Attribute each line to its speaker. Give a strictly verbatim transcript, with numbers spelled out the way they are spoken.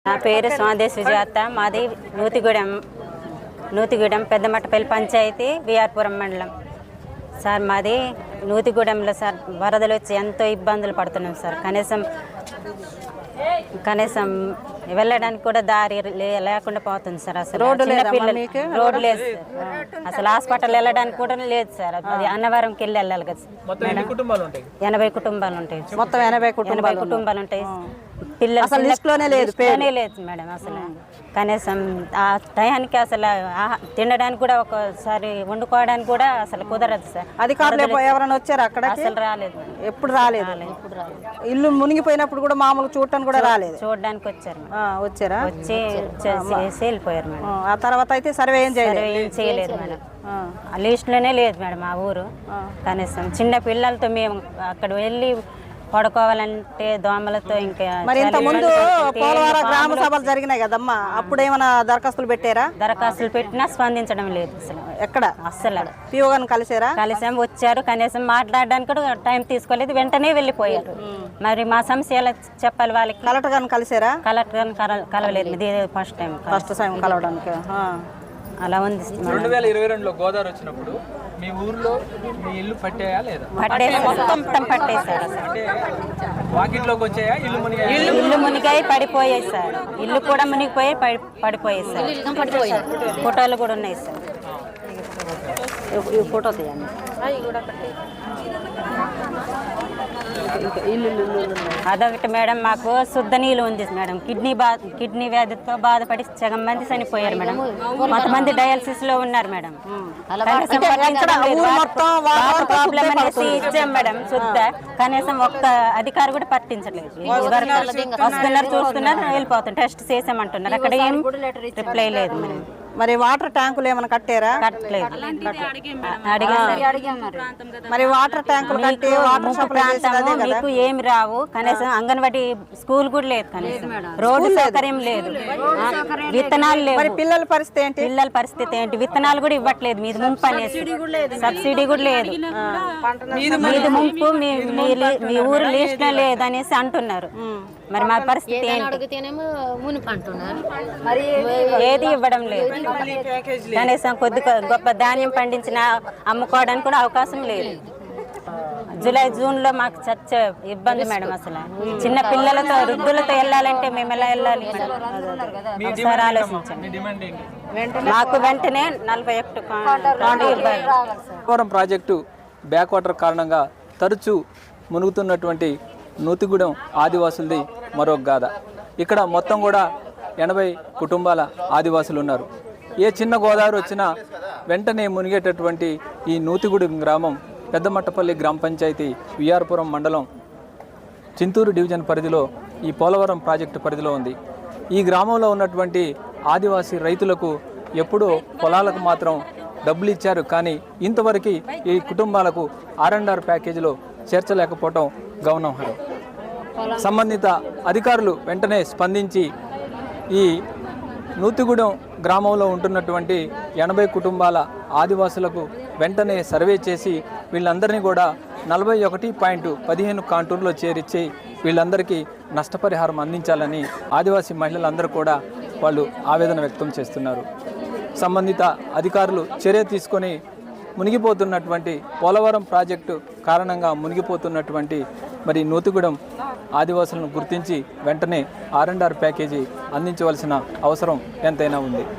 Speaker 1: నా పేరు స్వాదేశ్ సుజాత. మాది నూతిగూడెం నూతిగూడెం పెద్దమట్టపల్లి పంచాయతీ విఆర్పురం మండలం. సార్ మాది నూతిగూడెంలో సార్ వరదలు వచ్చి ఎంతో ఇబ్బందులు పడుతున్నాం సార్. కనీసం కనీసం వెళ్ళడానికి కూడా దారి లేకుండా పోతుంది సార్. అసలు రోడ్డు రోడ్డు లేదు సార్. అసలు హాస్పిటల్ వెళ్ళడానికి కూడా లేదు సార్. అది అన్నవరంకి వెళ్ళి వెళ్ళాలి కదా ఎనభై కుటుంబాలు ఉంటాయి.
Speaker 2: మొత్తం ఎనభై
Speaker 1: ఎనభై కుటుంబాలు ఉంటాయి. పిల్లలు లేదు లేదు మేడం. అసలు కనీసం ఆ టయానికి అసలు తినడానికి కూడా ఒకసారి వండుకోవడానికి కూడా అసలు కుదరదు సార్.
Speaker 2: అధికారులు ఎవరైనా వచ్చారు అక్కడ?
Speaker 1: అసలు రాలేదు,
Speaker 2: ఎప్పుడు రాలేదు. ఇల్లు మునిగిపోయినప్పుడు కూడా మామూలు చూడటానికి కూడా రాలేదు.
Speaker 1: చూడడానికి వచ్చారు
Speaker 2: వచ్చారా
Speaker 1: వచ్చి వెళ్ళిపోయారు మేడం.
Speaker 2: ఆ తర్వాత అయితే సర్వే ఏం చేయలేదు
Speaker 1: ఏం చేయలేదు మేడం. ఆ లిస్ట్ లోనే లేదు మేడం మా ఊరు. కనీసం చిన్న పిల్లలతో మేము అక్కడ వెళ్ళి పడుకోవాలంటే దోమలతో ఇంకా.
Speaker 2: మరి ఇంత ముందు పోలవరం గ్రామ సభలు జరిగినాయి కదమ్మా, అప్పుడు ఏమైనా దరఖాస్తులు పెట్టారా?
Speaker 1: దరఖాస్తులు పెట్టినా స్పందించడం లేదు అసలు.
Speaker 2: ఎక్కడ
Speaker 1: అస్సలు
Speaker 2: పిఓ గారిని కలిసారా?
Speaker 1: కలిసాం, వచ్చారు. కనీసం మాట్లాడడానికి కూడా టైం తీసుకోలేదు, వెంటనే వెళ్ళిపోయారు. మరి మా సమస్య ఎలా చెప్పాలి వాళ్ళకి?
Speaker 2: కలెక్టర్ గారిని కలిసారా?
Speaker 1: కలెక్టర్ గారిని కలవలేదు, ఇది ఫస్ట్ టైం
Speaker 2: ఫస్ట్ టైం కలవడానికి.
Speaker 1: అలా ఉంది.
Speaker 3: రెండు వేల ఇరవై రెండులో గోదావరి వచ్చినప్పుడు మీ ఊర్లో మీ ఇల్లు పట్టాయా లేదా?
Speaker 1: పట్టేసి మొత్తం పట్టేశారు.
Speaker 3: అంటే వాకిట్లోకి వచ్చాయా? ఇల్లు మునిగాయి?
Speaker 1: ఇల్లు మునిగాయి పడిపోయాయి సార్. ఇల్లు కూడా మునిగిపోయి పడిపోయాయి సార్. ఫోటోలు కూడా ఉన్నాయి సార్. ఫోటో తీయండి. అదొకటి మేడం, మాకు శుద్ధ నీళ్ళు ఉంది మేడం. కిడ్నీ బా కిడ్నీ వ్యాధితో బాధపడి సగం మంది చనిపోయారు మేడం. కొంతమంది డయాలసిస్ లో ఉన్నారు మేడం. ప్రాబ్లం అనేసి ఇచ్చాం మేడం శుద్ధ. కనీసం ఒక్క అధికారి కూడా పట్టించలేదు. వస్తున్నారు, చూస్తున్నారు, వెళ్ళిపోతున్నారు. టెస్ట్ చేసామంటున్నారు, అక్కడ ఏం రిప్లై లేదు మేడం.
Speaker 2: మరి వాటర్ ట్యాంకులు ఏమైనా కట్టారా?
Speaker 1: కట్టలేదు.
Speaker 2: మరి వాటర్ ట్యాంకులు కట్టి
Speaker 1: మీకు ఏమి రావు. కనీసం అంగన్వాడీ స్కూల్ కూడా లేదు, కనీసం రోడ్డు సౌకర్యం లేదు, విత్తనాలు లేవు.
Speaker 2: మరి పిల్లల పరిస్థితి ఏంటి?
Speaker 1: పిల్లల పరిస్థితి ఏంటి? విత్తనాలు కూడా ఇవ్వట్లేదు. మీది ముంపు అనేసి సబ్సిడీ కూడా లేదు. మీది ముంపు మీ ఊరు లిస్ట్ లో లేదు అనేసి అంటున్నారు. మరి మా పరిస్థితి ఏది ఇవ్వడం లేదు. కనీసం కొద్ది గొప్ప ధాన్యం పండించిన అమ్ముకోవడానికి కూడా అవకాశం లేదు. జూలై జూన్ లో మాకు చచ్చ ఇబ్బంది మేడం. అసలు చిన్న పిల్లలతో వృద్ధులతో వెళ్ళాలంటే మేము ఎలా వెళ్ళాలి? ఒకసారి ఆలోచించండి. మాకు వెంటనే నలభై ఒకటి
Speaker 3: పోలవరం ప్రాజెక్టు బ్యాక్ వాటర్ కారణంగా తరచూ మునుగుతున్నటువంటి నూతిగూడెం ఆదివాసులది మరొక గాథ. ఇక్కడ మొత్తం కూడా ఎనభై కుటుంబాల ఆదివాసులు ఉన్నారు. ఏ చిన్న గోదావరి వచ్చినా వెంటనే మునిగేటటువంటి ఈ నూతిగూడెం గ్రామం పెద్దమట్టపల్లి గ్రామ పంచాయతీ విఆర్పురం మండలం చింతూరు డివిజన్ పరిధిలో ఈ పోలవరం ప్రాజెక్టు పరిధిలో ఉంది. ఈ గ్రామంలో ఉన్నటువంటి ఆదివాసీ రైతులకు ఎప్పుడో పొలాలకు మాత్రం డబ్బులు ఇచ్చారు, కానీ ఇంతవరకు ఈ కుటుంబాలకు ఆర్ అండ్ ఆర్ ప్యాకేజీలో చేర్చలేకపోవటం గమనార్హం. సంబంధిత అధికారులు వెంటనే స్పందించి ఈ నూతిగూడెం గ్రామంలో ఉంటున్నటువంటి ఎనభై కుటుంబాల ఆదివాసులకు వెంటనే సర్వే చేసి వీళ్ళందరినీ కూడా నలభై ఒకటి పాయింట్ పదిహేను కాంటూర్లో చేర్చి వీళ్ళందరికీ నష్టపరిహారం అందించాలని ఆదివాసీ మహిళలందరూ కూడా వాళ్ళు ఆవేదన వ్యక్తం చేస్తున్నారు. సంబంధిత అధికారులు చర్య తీసుకొని మునిగిపోతున్నటువంటి పోలవరం ప్రాజెక్టు కారణంగా మునిగిపోతున్నటువంటి మరి నూతిగూడెం ఆదివాసులను గుర్తించి వెంటనే ఆర్ అండ్ ఆర్ ప్యాకేజీ అందించవలసిన అవసరం ఎంతైనా ఉంది.